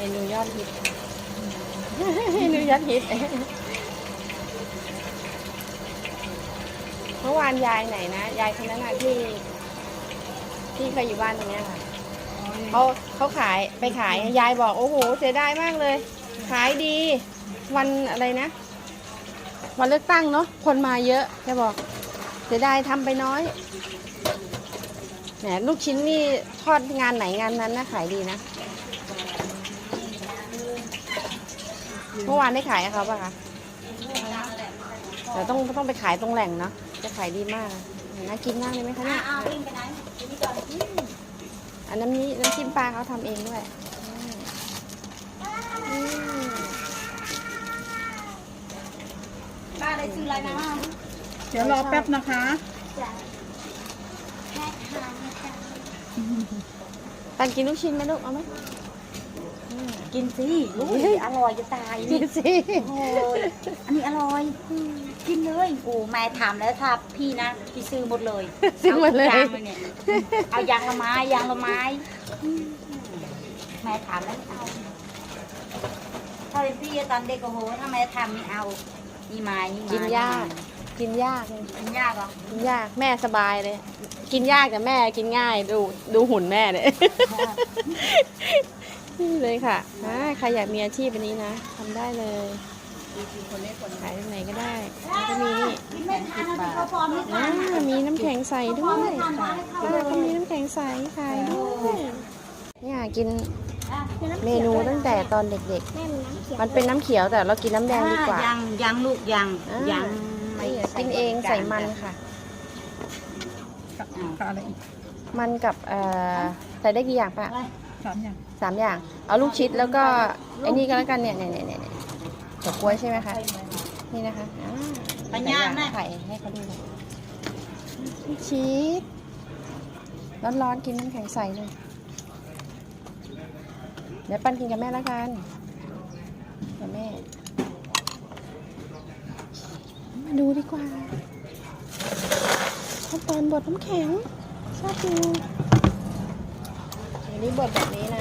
นูยอดฮิตเมนูยอดฮิตเมื่อวานยายไหนนะยายคนนั้นน่ะที่เคยอยู่บ้านตรงเนี้ยค่ะเขาขายไปขายยายบอกโอ้โหเสียดายมากเลย ขายดีวันอะไรนะวันเลือกตั้งเนาะคนมาเยอะแกบอกเสียดายทำไปน้อยแหมลูกชิ้นนี่ทอดงานไหนงานนั้นนะขายดีนะเมื่อวานได้ขายกับเขาป่ะคะแต่ต้องไปขายตรงแหล่งเนาะจะขายดีมากน่ากินมากเลยไหมคะเนี่ยอันน้ำจิ้มปลาเขาทำเองด้วยป้าได้ซื้ออะไรนะเดี๋ยวรอแป๊บนะคะตันกินลูกชิ้นไหมลูกเอาไหมกินสิลูกอร่อยจะตายกินสิโอ้ยอันนี้อร่อยกินเลยโอ้แม่ถามแล้วถ้าพี่นะพี่ซื้อหมดเลยซื้อหมดเลยเอายางละไม้แม่ถามแล้วเอาถ้าเป็นพี่ตอนเด็กโอ้โหถ้าแม่ทำนี่เอานี่ไม้นี่ไม้กินยากเหรอกินยากแม่สบายเลยกินยากแต่แม่กินง่ายดูหุ่นแม่เลยนี่เลยค่ะใครอยากมีอาชีพแบบนี้นะทำได้เลยขายที่ไหนก็ได้ก็มีนี่มีน้ำแข็งใสด้วยก็มีน้ำแข็งใสขายด้วยเนี่ยกินเมนูตั้งแต่ตอนเด็กๆมันเป็นน้ำเขียวแต่เรากินน้ำแดงดีกว่ายังลูกยังกินเองใส่มันค่ะอะไรอีกมันกับใส่ได้กี่อย่างป่ะ3 อย่างเอาลูกชิดแล้วก็ไอ้นี่ก็แล้วกันเนี่ยเฉาก๊วยใช่ไหมคะนี่นะคะปัญญาแม่ไข่ให้เขาดูลูกชิดร้อนๆกินน้ำแข็งใสเลยเดี๋ยวปั้นกินกับแม่แล้วกันกับแม่มาดูดีกว่าขั้นตอนบดน้ำแข็งชอบดูอันนี้บดแบบนี้นะ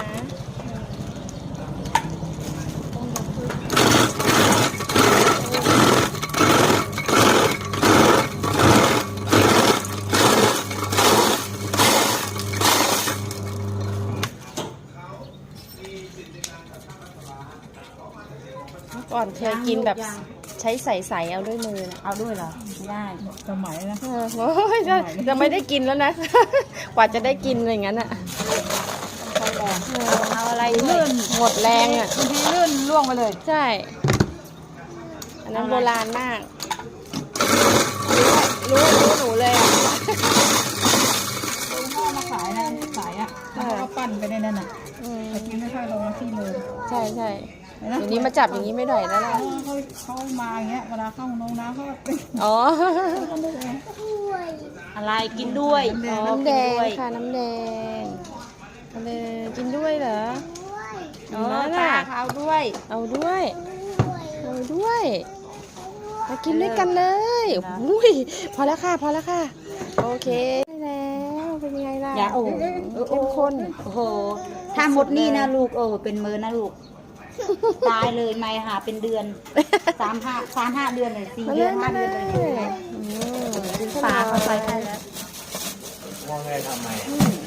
ก่อนเคยกินแบบใช้ใส่เอาด้วยมือนะเอาด้วยเหรอไม่ได้สมัยนะโอ้ยจะไม่ได้กินแล้วนะกว่าจะได้กินอย่างนั้นอ่ะเอาอะไรเลื่อนหมดแรงอ่ะบางทีเลื่อนล่วงไปเลยใช่อันนั้นโบราณมากรู้หนูเลยอ่ะพ่อมาขายนะขายอ่ะแล้วก็ปั้นไปในนั้นอ่ะแต่กินไม่ค่อยลงมาที่เลยใช่อย่างนี้มาจับอย่างนี้ไม่ได้แล้วล่ะเขามาอย่างเงี้ยเวลาเข้าน้องน้ำเขาอ๋ออะไรกินด้วยน้ำแดงค่ะน้ำแดงกินด้วยเหรอตาเอาด้วยมากินด้วยกันเลยอุ้ยพอแล้วค่ะโอเคได้แล้วเป็นยังไงล่ะเข้มข้นโอ้โหถ้าหมดนี่นะลูกเป็นมือนะลูกตายเลยไม่หาเป็นเดือน3-5 เดือนเลย4 เดือน 5 เดือนเลยปลาเขาใส่ได้แล้วว่าไงทำไม